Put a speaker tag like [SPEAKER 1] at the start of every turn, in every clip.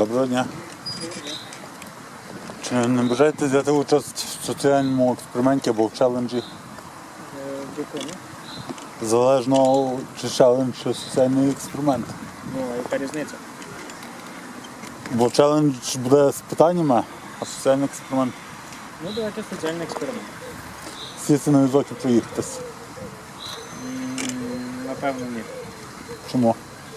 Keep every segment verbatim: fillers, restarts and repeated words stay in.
[SPEAKER 1] Доброго дня. Чи не бажаєте взяти участь в соціальному експерименті або в челенджі?
[SPEAKER 2] В якому?
[SPEAKER 1] Залежно, чи челендж, чи соціальний експеримент.
[SPEAKER 2] Ну, а яка різниця?
[SPEAKER 1] Бо челендж буде з питаннями, а соціальний експеримент
[SPEAKER 2] Ну, давайте соціальний експеримент.
[SPEAKER 1] сісти на візок і проїхатись.
[SPEAKER 2] М, Напевно, ні.
[SPEAKER 1] Чому?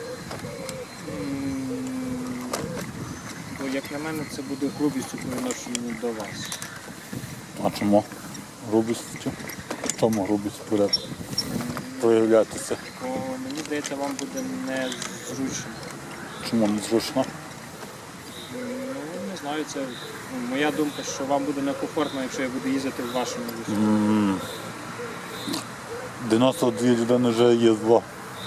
[SPEAKER 2] М, Бо, як на мене, це буде грубістю по відношенню до вас.
[SPEAKER 1] А чому? Грубістю? В чому грубість буде проявлятися?
[SPEAKER 2] Бо, мені здається, вам буде незручно.
[SPEAKER 1] Чому незручно?
[SPEAKER 2] Ну, не знаю, це ну, моя думка, що вам буде некомфортно, якщо я буду їздити в вашому візку.
[SPEAKER 1] М, дев'яносто дві людини вже їздило.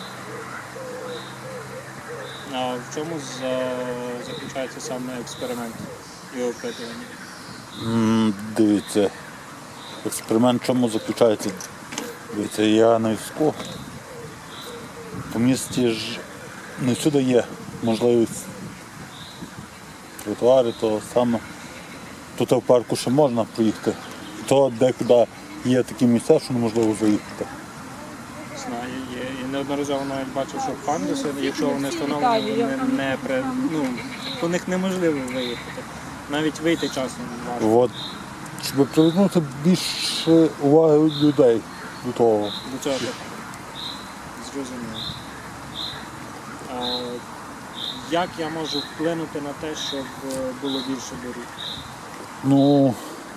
[SPEAKER 2] А в чому за- заключається саме експеримент і опитування?
[SPEAKER 1] М, Дивіться, експеримент в чому заключається? Дивіться, я на візку. По місті ж не всюди є можливість тротуари, то саме тут в парку ще можна проїхати. То декуди є такі місця, що неможливо заїхати.
[SPEAKER 2] Знаю, є. І неодноразово навіть бачив, що пандуси, якщо вони встановлені, вони не при... ну, по них неможливо виїхати. Навіть вийти часом важко.
[SPEAKER 1] От, щоб привернути більше уваги людей до того.
[SPEAKER 2] До цього так зрозуміло. А як я можу вплинути на те, щоб було більше доріг?
[SPEAKER 1] Ну,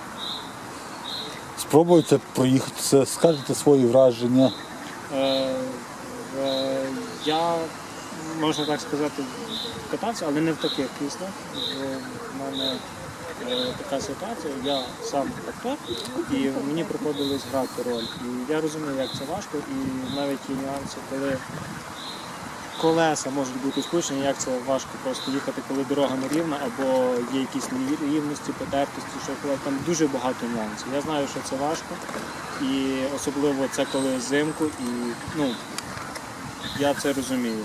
[SPEAKER 1] спробуйте проїхатися, скажете свої враження.
[SPEAKER 2] Е, е, я, можна так сказати, катався, але не в таких кріслах. В мене е, така ситуація, я сам актор, і мені приходилось грати роль. І я розумію, як це важко, і навіть є нюанси, коли колеса можуть бути спущені, як це важко просто їхати, коли дорога нерівна, або є якісь нерівності, потертості, що коли там дуже багато нюансів. Я знаю, що це важко, і особливо це коли взимку, і ну, я це розумію.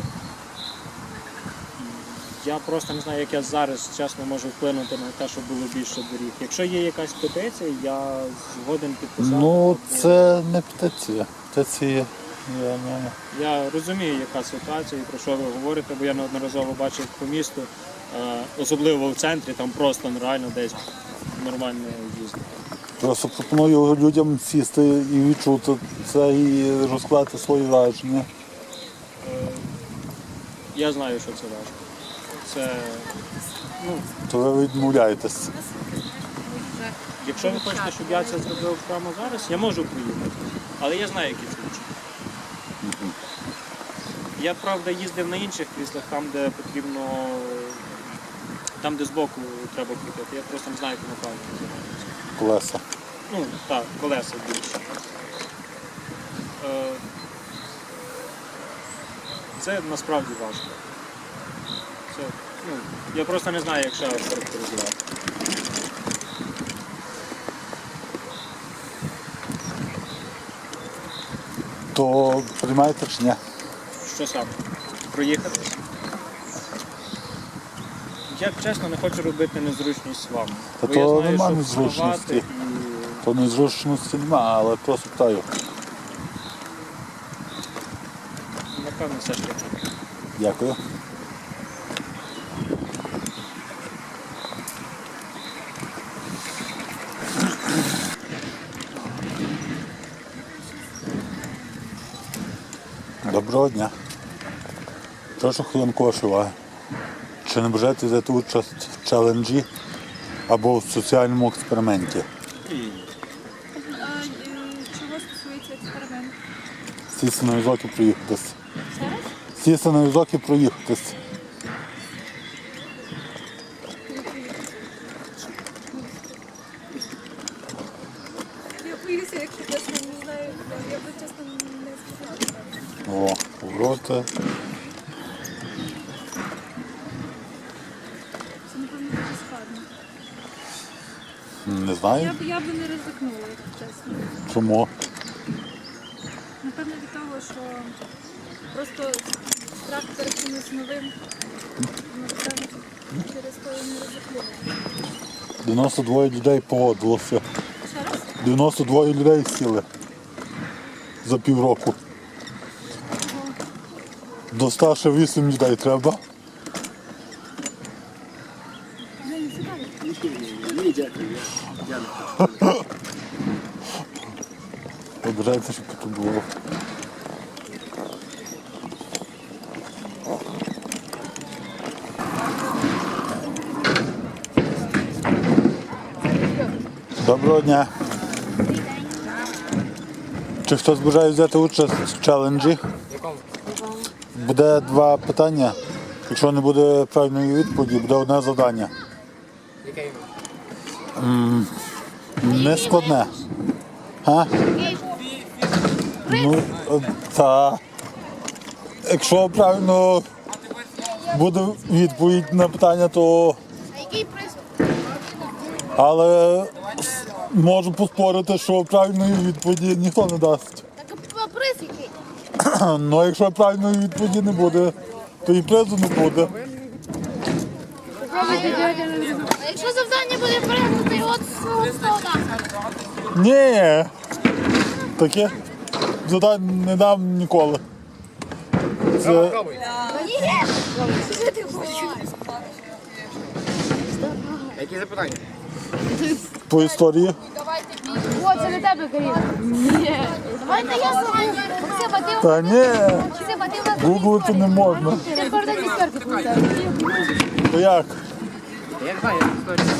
[SPEAKER 2] Я просто не знаю, як я зараз чесно можу вплинути на те, щоб було більше доріг. Якщо є якась петиція, я згоден підписати.
[SPEAKER 1] Ну, це не петиція. Петиція, я не...
[SPEAKER 2] Я розумію, яка ситуація і про що ви говорите, бо я неодноразово бачив по місту, е, особливо в центрі, там просто нереально десь нормально їздити.
[SPEAKER 1] Просто пропоную людям сісти і відчути це, і розклати свої враження.
[SPEAKER 2] Е, Я знаю, що це важко. Це, ну,
[SPEAKER 1] То ви відмовляєтесь.
[SPEAKER 2] якщо ви хочете, щоб я це зробив прямо зараз, я можу поїхати, але я знаю, які це случаї. Я, правда, їздив на інших кріслах, там, де потрібно, там, де збоку треба крутити. Я просто не знаю, як воно правильно називається.
[SPEAKER 1] Колеса.
[SPEAKER 2] Ну, так, колеса більше. Е, Це насправді важко. Це, ну, я просто не знаю, як ще характеризувати.
[SPEAKER 1] То приймаєте чи ні?
[SPEAKER 2] Що саме? Проїхати? Я, чесно, не хочу робити незручність вам.
[SPEAKER 1] Та
[SPEAKER 2] Бо
[SPEAKER 1] то
[SPEAKER 2] я знаю,
[SPEAKER 1] нема
[SPEAKER 2] що
[SPEAKER 1] незручності.
[SPEAKER 2] вставати і...
[SPEAKER 1] То незручності немає, але просто питаю.
[SPEAKER 2] Напевно, все ж таки.
[SPEAKER 1] Дякую. Доброго дня. Прошу хвилинку вашої уваги. Чи не бажаєте взяти участь в челенджі або в соціальному експерименті?
[SPEAKER 3] А е, чого стосується експеримент?
[SPEAKER 1] Сісти на візок і проїхатись.
[SPEAKER 3] Зараз?
[SPEAKER 1] Сісти на візок і проїхатись.
[SPEAKER 3] Я боюся, якщо чесно, не знаю, я би чесно не сказала.
[SPEAKER 1] О, повороти.
[SPEAKER 3] Це, напевно, дуже складно.
[SPEAKER 1] Не
[SPEAKER 3] Я
[SPEAKER 1] знаю.
[SPEAKER 3] б, я би не ризикнула, якщо чесно.
[SPEAKER 1] Чому?
[SPEAKER 3] Напевно від того, що просто страх перед чимось новим Через то я не ризикую.
[SPEAKER 1] дев'яносто два людей погодилося.
[SPEAKER 3] Ще раз?
[SPEAKER 1] дев'яносто два людей сіли за півроку. До ста ще вісім людей треба.
[SPEAKER 3] Вже не цікавить.
[SPEAKER 2] Ні, дякую. Я не хочу.
[SPEAKER 1] Обирається, щоб тут було. Доброго дня. Чи хтось бажає взяти участь в челенджі? Буде два питання. Якщо не буде правильної відповіді, буде одне завдання. М, Не складне. А? Ну, е, та. Якщо правильно буде відповідь на питання, то.
[SPEAKER 3] А який приз?
[SPEAKER 1] Але можу поспорити, що правильної відповіді ніхто не дасть.
[SPEAKER 3] Так а приз який?
[SPEAKER 1] Ну, а якщо правильної відповіді не буде, то і призу не буде.
[SPEAKER 3] А якщо завдання буде переглянути от свого столика?
[SPEAKER 1] Ні. Таке завдань не дам ніколи. Це
[SPEAKER 3] Що ти хочеш?
[SPEAKER 2] Які запитання?
[SPEAKER 1] по історії.
[SPEAKER 3] О, це не тебе, Каріна. Ні. Давайте я сама. Максим, а ти...
[SPEAKER 1] Та ні,
[SPEAKER 3] Максим, а ти у нас...
[SPEAKER 1] гуглити не можна.
[SPEAKER 3] Ти передай десятки получаєш.
[SPEAKER 1] То як?
[SPEAKER 2] Я не знаю, я історію.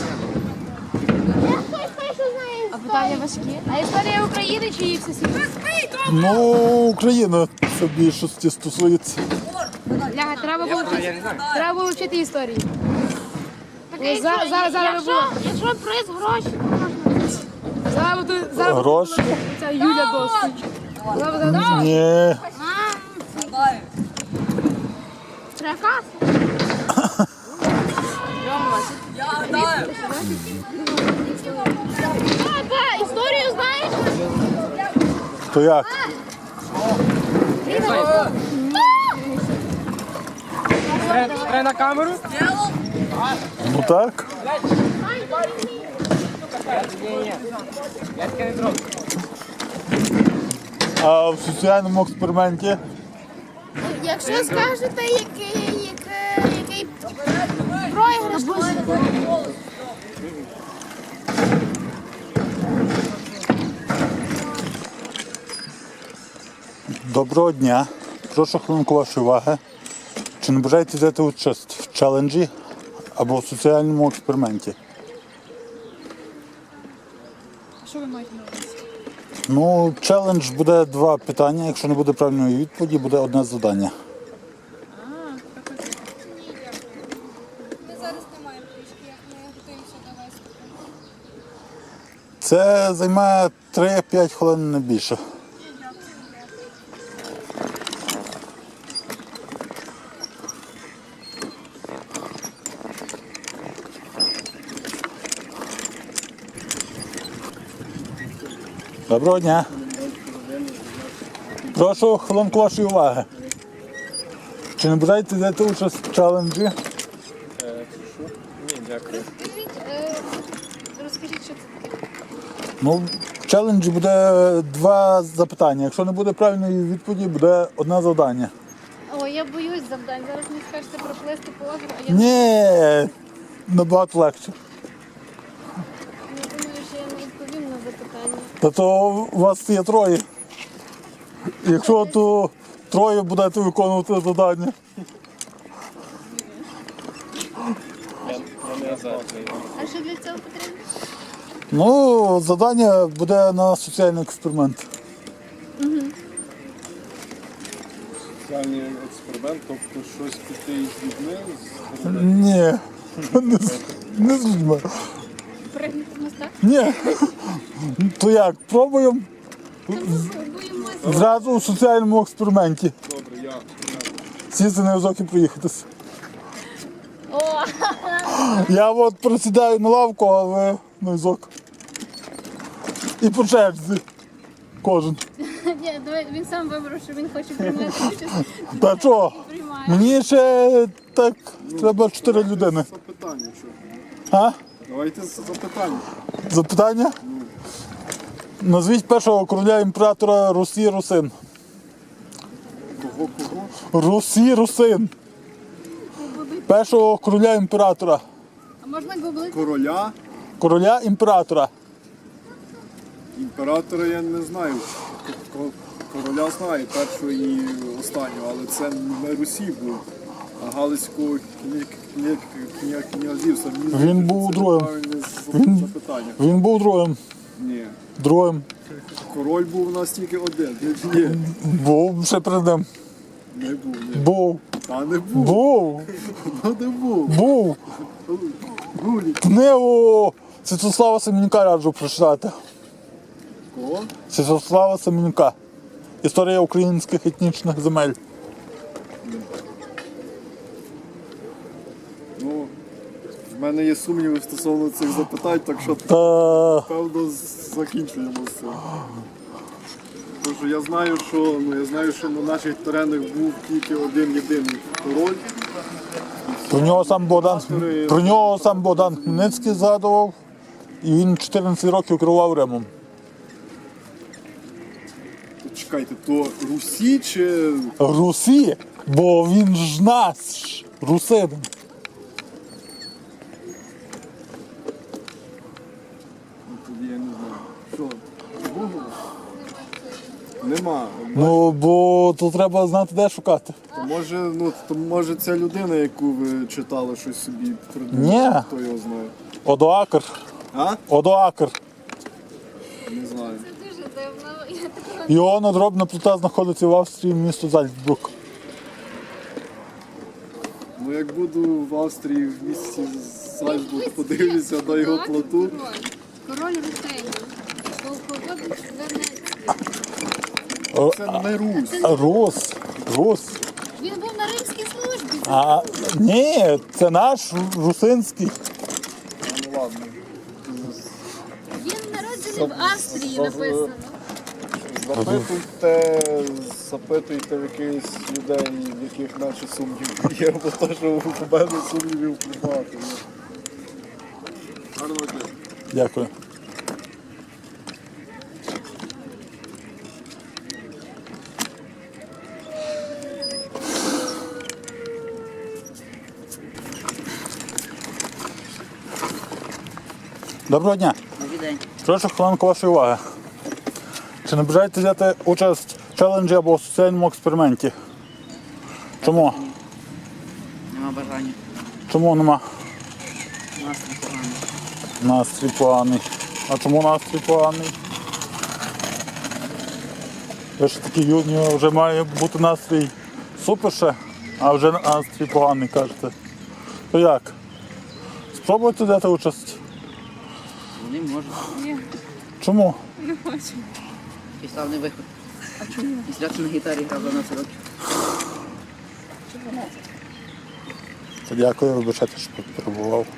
[SPEAKER 3] А питання важкі. А історія України чи їх всесвіту?
[SPEAKER 1] Ну, Україна це в більшості стосується.
[SPEAKER 3] Ляга, треба було
[SPEAKER 2] Я не знаю.
[SPEAKER 3] треба було вчити історію. Зараз, зараз, зараз ви було.
[SPEAKER 4] Якщо приз гроші,
[SPEAKER 3] Зараз буде, зараз буде
[SPEAKER 1] Гроші?
[SPEAKER 3] ця Юля досить. Зараз, зараз.
[SPEAKER 1] Ні.
[SPEAKER 4] трека, а, історію знаєш?
[SPEAKER 1] То як?
[SPEAKER 2] Треба на камеру?
[SPEAKER 1] Ну так.
[SPEAKER 2] Я таке не зроблю.
[SPEAKER 1] А в соціальному експерименті
[SPEAKER 4] Якщо скажете, який, який, який проіграш буде.
[SPEAKER 1] доброго дня. Прошу хвилинку вашої уваги. Чи не бажаєте взяти участь в челенджі або в соціальному експерименті?
[SPEAKER 3] Що ви маєте на увазі?
[SPEAKER 1] Ну, челендж буде два питання. Якщо не буде правильної відповіді, буде одне завдання.
[SPEAKER 3] Ми зараз не маємо трішки, як ми готуємося до виступу.
[SPEAKER 1] Це займає три-п'ять хвилин, не більше. Доброго дня. Прошу хвилинку вашої уваги. Чи не бажаєте взяти участь в челенджі?
[SPEAKER 2] Ні, дякую.
[SPEAKER 3] Розкажіть, е, розкажіть, що це таке.
[SPEAKER 1] Ну, в челенджі буде два запитання. Якщо не буде правильної відповіді, буде одне завдання.
[SPEAKER 3] О, я боюсь завдань. Зараз мені скажете проплисти по озеру, а я
[SPEAKER 1] Ні, набагато легше.
[SPEAKER 3] не думаю, що я не відповім на запитання.
[SPEAKER 1] Та то у вас є троє. Якщо то троє будете виконувати завдання.
[SPEAKER 3] А що для цього потрібно?
[SPEAKER 1] Ну, завдання буде на соціальний експеримент.
[SPEAKER 5] Соціальний експеримент, тобто щось піти із людьми, з-
[SPEAKER 1] Ні, не, з- не з людьми.
[SPEAKER 3] Пригнути мостак?
[SPEAKER 1] Ні. То як, пробуємо
[SPEAKER 3] Боїмося.
[SPEAKER 1] зразу у соціальному експерименті.
[SPEAKER 5] добре, я, я
[SPEAKER 1] Сісти на візок і проїхатися.
[SPEAKER 3] О,
[SPEAKER 1] Я от присідаю на лавку, а ви на візок. І по черзі. Кожен.
[SPEAKER 3] ні, давай, він сам вибрав, що він хоче приймати участь.
[SPEAKER 1] Та що?
[SPEAKER 3] Приймає.
[SPEAKER 1] Мені ще так треба чотири людини.
[SPEAKER 5] Запитання, що?
[SPEAKER 1] А?
[SPEAKER 5] Давайте запитання.
[SPEAKER 1] Запитання? Назвіть першого короля імператора Русі Русин.
[SPEAKER 5] Кого, кого?
[SPEAKER 1] Русі Русин. Першого короля імператора.
[SPEAKER 3] А можна гуглити?
[SPEAKER 5] Короля,
[SPEAKER 1] Короля імператора.
[SPEAKER 5] імператора я не знаю. К- ко- Короля знаю, першого і останнього, але це не Русі був, а Галицького кня- кня- кня- князівства. Мені
[SPEAKER 1] Він
[SPEAKER 5] здається,
[SPEAKER 1] був
[SPEAKER 5] це
[SPEAKER 1] другим.
[SPEAKER 5] неправильне з- запитання.
[SPEAKER 1] Він був другим.
[SPEAKER 5] Ні.
[SPEAKER 1] Другим.
[SPEAKER 5] Король був у нас тільки один. Ні,
[SPEAKER 1] Був ще перед ним.
[SPEAKER 5] не був, ні.
[SPEAKER 1] Був.
[SPEAKER 5] Та не був,
[SPEAKER 1] Був.
[SPEAKER 5] ну не був.
[SPEAKER 1] Був.
[SPEAKER 5] Гулік.
[SPEAKER 1] Книгу Святослава Семенюка раджу прочитати.
[SPEAKER 5] Кого?
[SPEAKER 1] Святослава Семенюка. Історія українських етнічних земель.
[SPEAKER 5] Ну, в мене є сумніви стосовно цих запитань, так що
[SPEAKER 1] Та
[SPEAKER 5] певно закінчуємо з цим. Тому що я знаю, що ну я знаю, що на наших теренах був тільки один єдиний король.
[SPEAKER 1] про нього сам Богдан про нього сам Богдан Хмельницький згадував. І він чотирнадцять років керував Римом.
[SPEAKER 5] То чекайте, то Русі чи
[SPEAKER 1] Русі, бо він ж наш русин.
[SPEAKER 5] ну, тоді я не знаю. Що? Google? Нема.
[SPEAKER 1] Ну, бо тут треба знати, де шукати.
[SPEAKER 5] То може, ну то може ця людина, яку ви читали, щось собі придумав.
[SPEAKER 1] Ні.
[SPEAKER 5] Хто його знає?
[SPEAKER 1] Одоакр.
[SPEAKER 5] А?
[SPEAKER 1] Одоакр.
[SPEAKER 5] Не знаю.
[SPEAKER 3] Дуже дивно. Я такого
[SPEAKER 1] Його надробна плита знаходиться в Австрії, місто Зальцбург.
[SPEAKER 5] Ну як буду в Австрії в місті Зальцбург, подивлюся на його плоту.
[SPEAKER 3] король Русинів. Полководець Венеції.
[SPEAKER 5] Це не Рус.
[SPEAKER 1] Рус. Рус.
[SPEAKER 3] Він був на римській службі.
[SPEAKER 1] А ні, це наш русинський.
[SPEAKER 5] Ну ладно.
[SPEAKER 3] Він народжений в Австрії, написано.
[SPEAKER 5] Запитуйте, запитуйте в якихось людей, в яких наче сумнів є, бо то, що у мене сумнівів багато. є. Гарного дня.
[SPEAKER 1] Дякую. Доброго дня.
[SPEAKER 6] Добрий день.
[SPEAKER 1] Прошу хвилинку вашої уваги. Чи не бажаєте взяти участь в челенджі або в соціальному експерименті? Чому?
[SPEAKER 6] Нема бажання.
[SPEAKER 1] Чому нема?
[SPEAKER 6] Нас не погано.
[SPEAKER 1] Настрій поганий. А чому настрій поганий? Ви ж такі юні, вже має бути настрій супер ще, а вже настрій поганий, кажете. То як? Спробуйте взяти участь.
[SPEAKER 6] Вони можуть.
[SPEAKER 1] Чому?
[SPEAKER 6] Який славний виход. А чому? Після на гітарі грав дванадцять років.
[SPEAKER 1] То дякую, вибачайте, що потребував.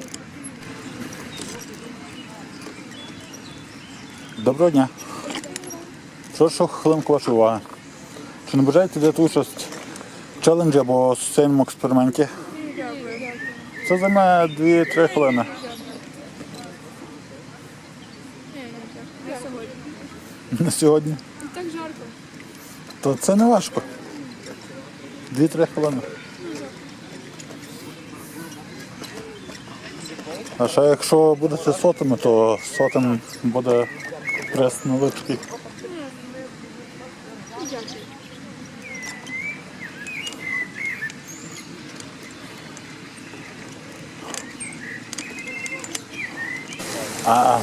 [SPEAKER 1] Доброго дня. Прошу хвилинку вашої уваги. Чи не бажаєте взяти участь в челенджі або соціальному експерименті? Це займе дві-три хвилини. На сьогодні.
[SPEAKER 3] Так жарко.
[SPEAKER 1] То це не важко. Дві-три хвилини. А ще якщо будете сотими, то сотим буде прес невеличкий. А,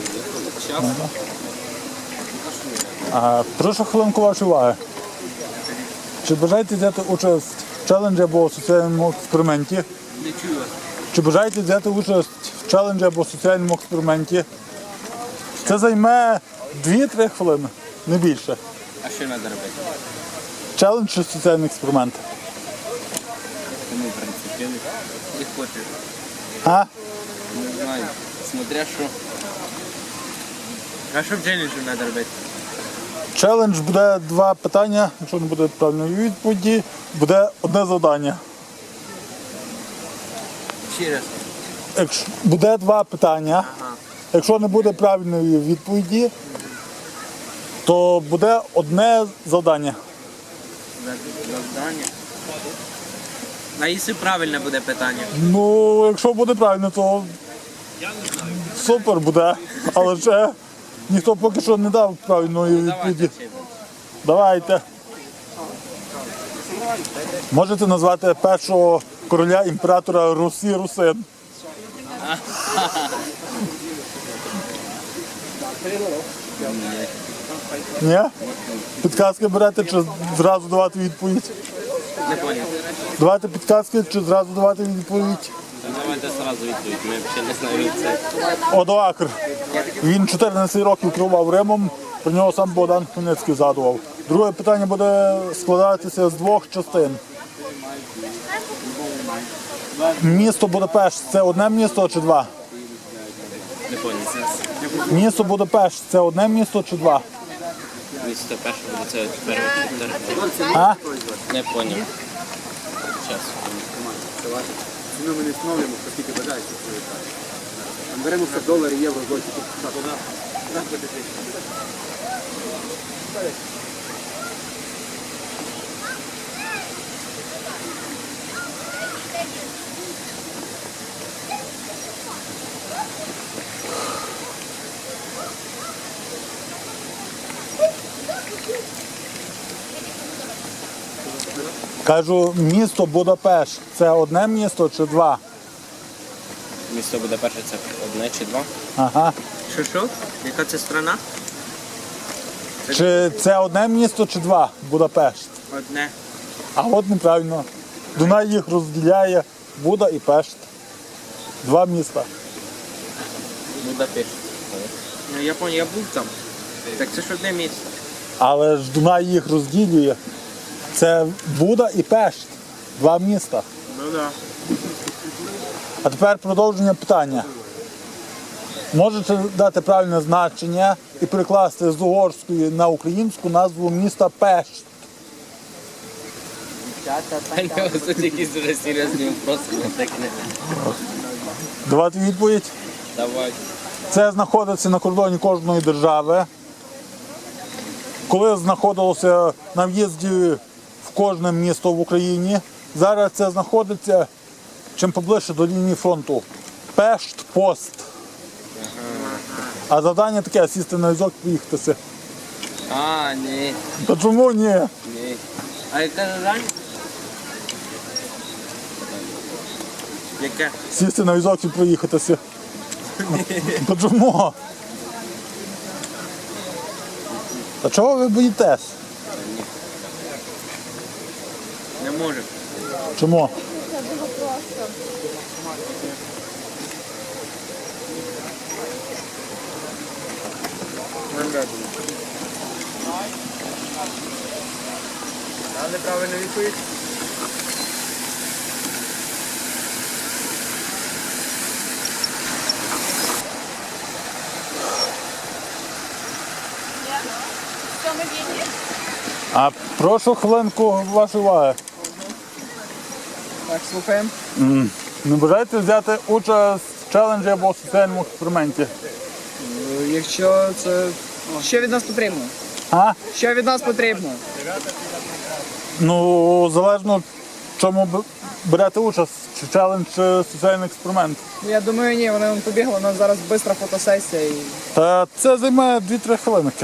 [SPEAKER 1] а, прошу хвилинку вашої уваги. Чи бажаєте взяти участь в челенджі або в соціальному експерименті?
[SPEAKER 6] Не чую вас.
[SPEAKER 1] Чи бажаєте взяти участь в челенджі або в соціальному експерименті? Це займе дві-три хвилини, не більше.
[SPEAKER 6] А що треба робити?
[SPEAKER 1] Челендж чи соціальний експеримент?
[SPEAKER 6] Тому, в принципі, як хочеш.
[SPEAKER 1] А?
[SPEAKER 6] Не знаю. Смотря що. А що в челенджі треба робити?
[SPEAKER 1] Челендж буде два питання, якщо не буде правильної відповіді, буде одне завдання.
[SPEAKER 7] Ще раз.
[SPEAKER 1] Якщо буде два питання. Якщо не буде правильної відповіді, то буде одне завдання.
[SPEAKER 7] Завдання. А якщо правильне буде питання?
[SPEAKER 1] Ну, якщо буде правильно, то супер буде. Але ще ніхто поки що не дав правильної відповіді. Давайте. Можете назвати першого короля імператора Русі Русин? Ні? Підказки берете чи зразу давати відповідь?
[SPEAKER 7] Не поняв.
[SPEAKER 1] Давайте підказки чи зразу давати відповідь?
[SPEAKER 7] Давайте одразу відповідь, ми взагалі не знаємо це.
[SPEAKER 1] Одоакр. Він чотирнадцять років керував Римом, про нього сам Богдан Хмельницький згадував. Друге питання буде складатися з двох частин. Місто Будапешт – це одне місто чи два?
[SPEAKER 7] Не поняв.
[SPEAKER 1] Місто Будапешт – це одне місто чи два?
[SPEAKER 7] Місто перше буде це перше.
[SPEAKER 1] А?
[SPEAKER 7] Не поняв. Час.
[SPEAKER 8] Ціну ми не встановлюємо, оскільки бажаєте. Беремо все долари, євро, злоті.
[SPEAKER 1] Кажу, місто Будапешт – це одне місто чи два?
[SPEAKER 7] Місто буде перше це одне чи два.
[SPEAKER 1] Ага.
[SPEAKER 7] Що що? Яка це страна?
[SPEAKER 1] Чи це одне місто чи два? Будапешт.
[SPEAKER 7] Одне.
[SPEAKER 1] А от неправильно. Дунай їх розділяє Буда і Пешт. Два міста.
[SPEAKER 7] Будапешт. Ну я поняв, я був там. Так це ж одне місце.
[SPEAKER 1] Але ж Дунай їх розділює. Це Буда і Пешт. Два міста.
[SPEAKER 7] Ну да.
[SPEAKER 1] А тепер продовження питання. Можете дати правильне значення і перекласти з угорської на українську назву міста Пешт?
[SPEAKER 7] Це якісь дуже серйозні вопроси, не так не.
[SPEAKER 1] Давати відповідь.
[SPEAKER 7] Давай.
[SPEAKER 1] Це знаходиться на кордоні кожної держави. Коли знаходилося на в'їзді в кожне місто в Україні, зараз це знаходиться чим поближче до лінії фронту. Пешт, пост. А завдання таке, сісти на візок і поїхатися.
[SPEAKER 7] А, ні.
[SPEAKER 1] Та чому ні?
[SPEAKER 7] Ні. А яке завдання? Яке?
[SPEAKER 1] Сісти на візок і проїхатися. Та чому? Та чого ви боїтесь?
[SPEAKER 7] Не можу.
[SPEAKER 1] Чому?
[SPEAKER 7] А неправильно відповідь?
[SPEAKER 1] А прошу хвилинку вашої уваги.
[SPEAKER 2] Так, слухаємо.
[SPEAKER 1] Не бажаєте взяти участь в челенджі або соціальному експерименті?
[SPEAKER 2] Якщо це. Що від нас потрібно?
[SPEAKER 1] А?
[SPEAKER 2] Що від нас потрібно?
[SPEAKER 1] Ну, залежно в чому б- берете участь, чи челендж, чи соціальний експеримент.
[SPEAKER 2] Я думаю, ні, вони вон побігли, у нас зараз швидка фотосесія і.
[SPEAKER 1] Та це займе дві-три хвилинки.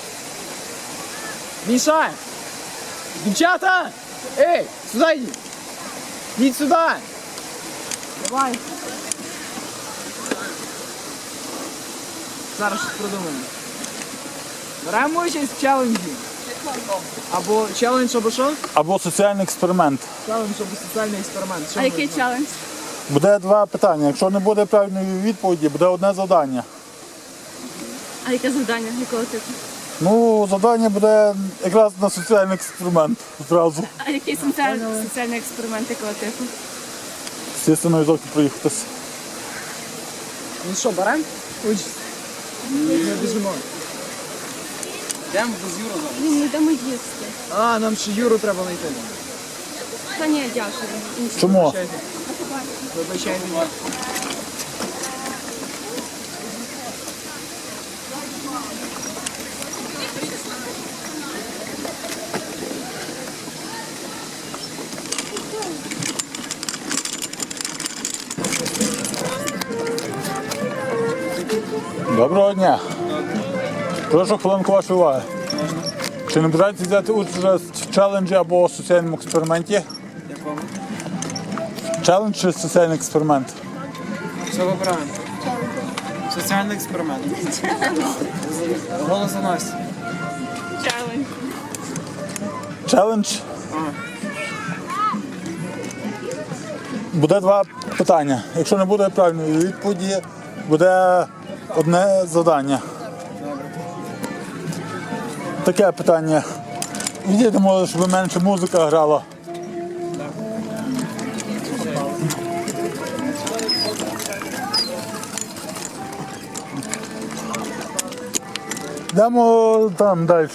[SPEAKER 2] Міша! Дівчата! Ей, сюди йдіть! Йдіть сюди! Давай! Зараз щось придумаємо. Беремо участь в челенджі. Або челендж, або що?
[SPEAKER 1] Або соціальний експеримент.
[SPEAKER 2] Челендж, або соціальний експеримент. Що
[SPEAKER 3] А
[SPEAKER 2] ми
[SPEAKER 3] який
[SPEAKER 2] візьмемо?
[SPEAKER 3] челендж?
[SPEAKER 1] Буде два питання. Якщо не буде правильної відповіді, буде одне завдання.
[SPEAKER 3] А яке завдання? Якого типу?
[SPEAKER 1] Ну, завдання буде якраз на соціальний експеримент зразу.
[SPEAKER 3] А який соціальний, соціальний експеримент якого типу?
[SPEAKER 1] Сісти на візок і проїхатися.
[SPEAKER 2] Ну що, беремо? Участь. Ми біжимо.
[SPEAKER 7] Йдемо без Юра зараз.
[SPEAKER 3] Ні, ми йдемо їсти.
[SPEAKER 2] А, нам ще Юру треба знайти.
[SPEAKER 3] Та ні, дякую. Інші.
[SPEAKER 1] Чому?
[SPEAKER 2] Чекайте.
[SPEAKER 7] Вибачай мене.
[SPEAKER 1] Доброго дня. Прошу хвилинку вашої уваги. Чи не бажаєте взяти участь в челенджі або соціальному експерименті?
[SPEAKER 7] Якому?
[SPEAKER 1] Челендж чи соціальний експеримент?
[SPEAKER 7] Що вибираємо? Соціальний експеримент. Голос за Настю.
[SPEAKER 1] Челендж. Буде два питання. Якщо не буде правильної відповіді, буде одне завдання. Таке питання. Відійдемо, щоб менше музика грала. Йдемо там далі.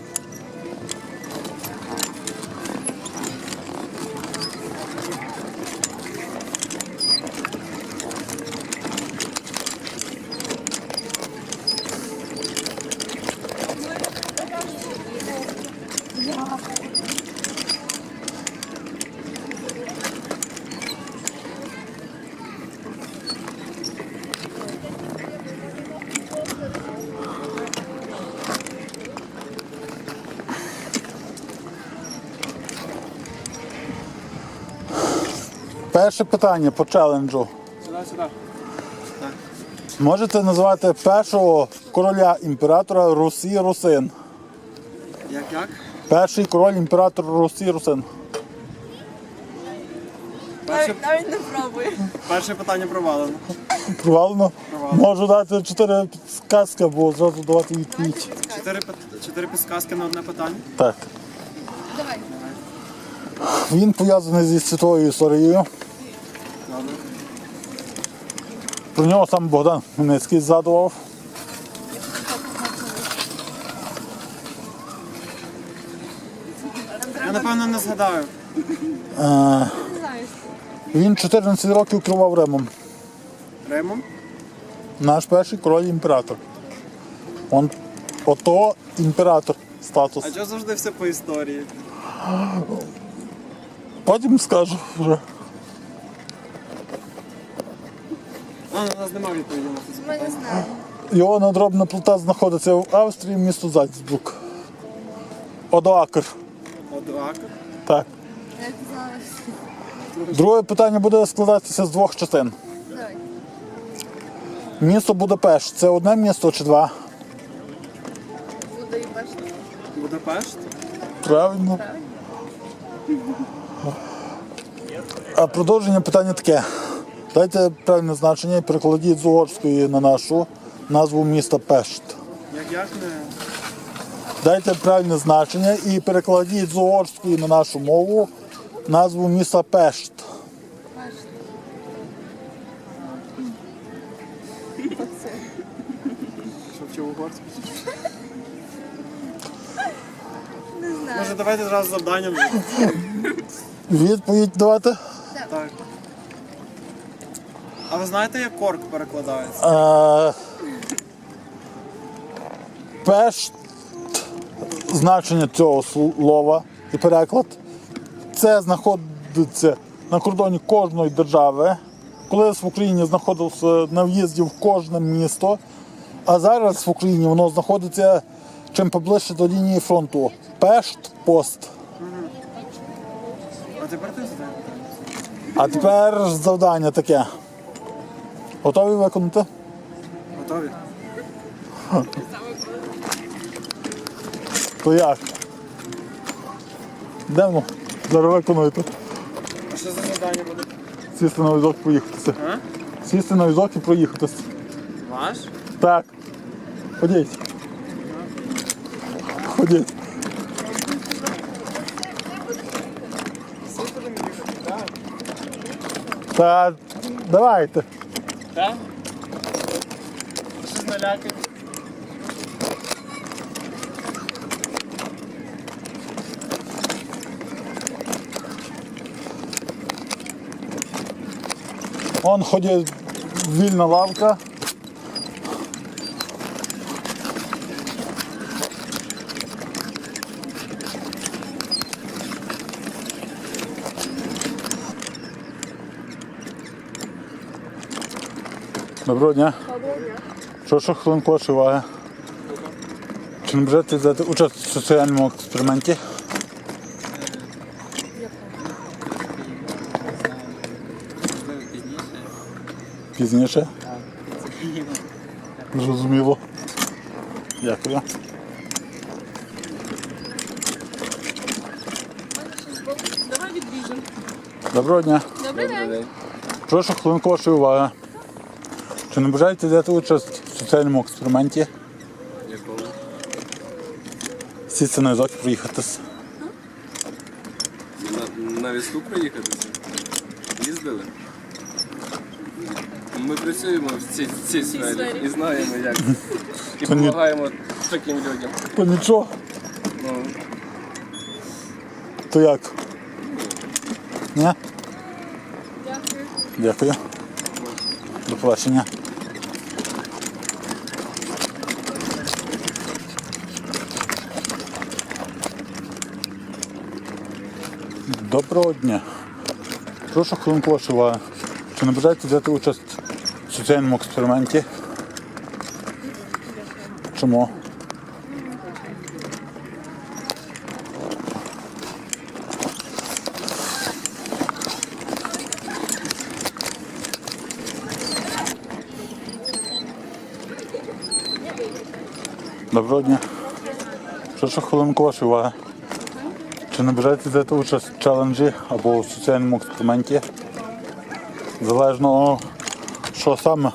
[SPEAKER 1] Перше питання по челенджу.
[SPEAKER 7] Сюди, сюди.
[SPEAKER 1] Можете назвати першого короля імператора Русі Русин?
[SPEAKER 7] Як, як?
[SPEAKER 1] Перший король імператор Русі Русин.
[SPEAKER 7] Перше,
[SPEAKER 3] Навіть не пробую.
[SPEAKER 7] перше питання провалено.
[SPEAKER 1] Провалено? Можу дати чотири підказки, або зразу давати відповідь.
[SPEAKER 7] Чотири, пит- чотири підсказки на одне питання.
[SPEAKER 1] Так.
[SPEAKER 3] Давай.
[SPEAKER 1] Він пов'язаний зі світовою історією.
[SPEAKER 7] Добре.
[SPEAKER 1] Про нього сам Богдан Хмельницький згадував.
[SPEAKER 7] Я напевно не згадаю.
[SPEAKER 1] Е, Він чотирнадцять років керував Римом.
[SPEAKER 7] Римом?
[SPEAKER 1] Наш перший король імператор. Он ото імператор статус.
[SPEAKER 7] А чого завжди все по історії?
[SPEAKER 1] Потім скажу вже.
[SPEAKER 7] А, у нас немає відповіді на це
[SPEAKER 3] Ми не
[SPEAKER 7] запитання.
[SPEAKER 3] знаємо.
[SPEAKER 1] Його надробна плита знаходиться в Австрії, місто Зальцбург. Одоакр.
[SPEAKER 7] Одуак.
[SPEAKER 1] Так.
[SPEAKER 3] Як ти знаєш?
[SPEAKER 1] Друге питання буде складатися з двох частин.
[SPEAKER 3] Давай.
[SPEAKER 1] Місто Будапешт. Це одне місто чи два?
[SPEAKER 3] Буду і бачити.
[SPEAKER 7] Будапешт?
[SPEAKER 1] Правильно. А продовження питання таке. Дайте правильне значення і перекладіть з угорської на нашу назву міста Пешт.
[SPEAKER 7] Як як не.
[SPEAKER 1] Дайте правильне значення і перекладіть з угорської на нашу мову назву міста Пешт.
[SPEAKER 7] Що вчив угорську?
[SPEAKER 3] Не знаю.
[SPEAKER 7] Може давайте зразу завданням.
[SPEAKER 1] Відповідь давати.
[SPEAKER 7] Так. А ви знаєте, як корк перекладається?
[SPEAKER 1] Е, Пешт, значення цього слова і переклад, це знаходиться на кордоні кожної держави. Колись в Україні знаходився на в'їзді в кожне місто, а зараз в Україні воно знаходиться чим поближче до лінії фронту. Пешт, пост.
[SPEAKER 7] А тепер ти задаєш?
[SPEAKER 1] А тепер завдання таке. Готові виконати?
[SPEAKER 7] Готові?
[SPEAKER 1] То як? Йдемо, зараз виконуєте.
[SPEAKER 7] А що за завдання буде?
[SPEAKER 1] Сісти на візок і проїхатися.
[SPEAKER 7] А?
[SPEAKER 1] Сісти на візок і проїхатися.
[SPEAKER 7] Ваш?
[SPEAKER 1] Так. Ходіть. Ходіть. Та давайте.
[SPEAKER 7] Так? Щось налякає.
[SPEAKER 1] Вон ходить вільна лавка. Доброго дня.
[SPEAKER 3] Доброго дня.
[SPEAKER 1] Прошу хвилинку вашої уваги. Чи не бажаєте взяти участь в соціальному експерименті?
[SPEAKER 7] Можливо, пізніше.
[SPEAKER 1] Пізніше?
[SPEAKER 7] Так.
[SPEAKER 1] Зрозуміло. Дякую.
[SPEAKER 3] Давай відбіжимо.
[SPEAKER 1] Доброго дня.
[SPEAKER 3] Добрий день.
[SPEAKER 1] Прошу хвилинку вашої уваги. Чи не бажаєте взяти участь в соціальному експерименті?
[SPEAKER 8] Якого?
[SPEAKER 1] Сісти на візок і проїхатись.
[SPEAKER 8] На, на візку проїхатися? Їздили? Ми працюємо в цій, в цій сфері
[SPEAKER 3] сфері.
[SPEAKER 8] і знаємо як. І
[SPEAKER 1] Це ні-
[SPEAKER 8] допомагаємо таким людям.
[SPEAKER 1] То нічого.
[SPEAKER 8] Ну,
[SPEAKER 1] То як? Ні?
[SPEAKER 3] Дякую.
[SPEAKER 1] Дякую. До побачення. Доброго дня. Прошу хвилинку вашої уваги. Чи не бажаєте взяти участь в соціальному експерименті? Чому? Доброго дня. Прошу хвилинку вашої уваги. Чи не бажаєте взяти участь в челенджі або в соціальному експерименті? Залежно, що саме.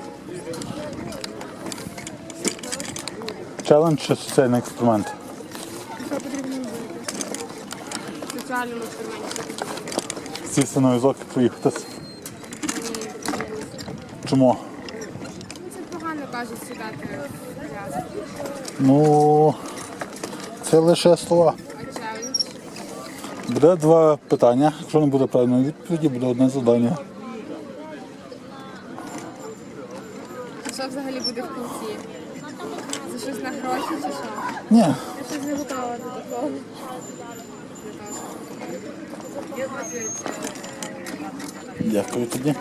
[SPEAKER 1] Челендж чи соціальний експеримент?
[SPEAKER 3] Що потрібно робити? В соціальному експерименті.
[SPEAKER 1] Сісти на візок і проїхатись. Чому?
[SPEAKER 3] Це погано кажуть сідати в коляску.
[SPEAKER 1] Ну, це лише слова.
[SPEAKER 3] А челендж?
[SPEAKER 1] Буде два питання. Якщо не буде правильної відповіді, буде одне завдання.
[SPEAKER 3] Що взагалі буде в кінці? Це щось на гроші чи що?
[SPEAKER 1] Ні.
[SPEAKER 3] Я щось не готова до такого.
[SPEAKER 1] Дякую тоді.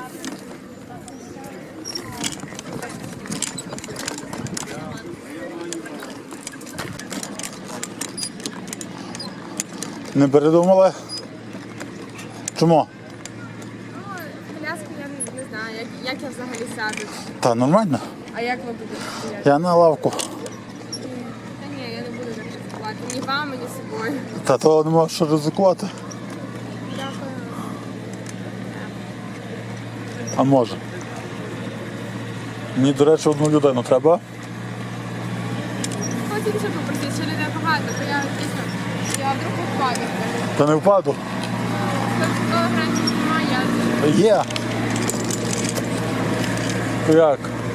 [SPEAKER 1] Не передумали? Чому?
[SPEAKER 3] Коляску я не, не знаю, як, як я взагалі сяду.
[SPEAKER 1] Та нормально.
[SPEAKER 3] А як ви будете стояти?
[SPEAKER 1] Я на лавку.
[SPEAKER 3] Та ні, я не буду так ризикувати. Ні вами, ні собою.
[SPEAKER 1] Та то не можу що ризикувати.
[SPEAKER 3] Дякую.
[SPEAKER 1] А може. Мені, до речі, одну людину треба.
[SPEAKER 3] Потім ще попросити, що людей багато, то я дійсно, я вдруг впаду.
[SPEAKER 1] Та не впаду.
[SPEAKER 3] Тобто гранчів немає, я
[SPEAKER 1] Є. То як?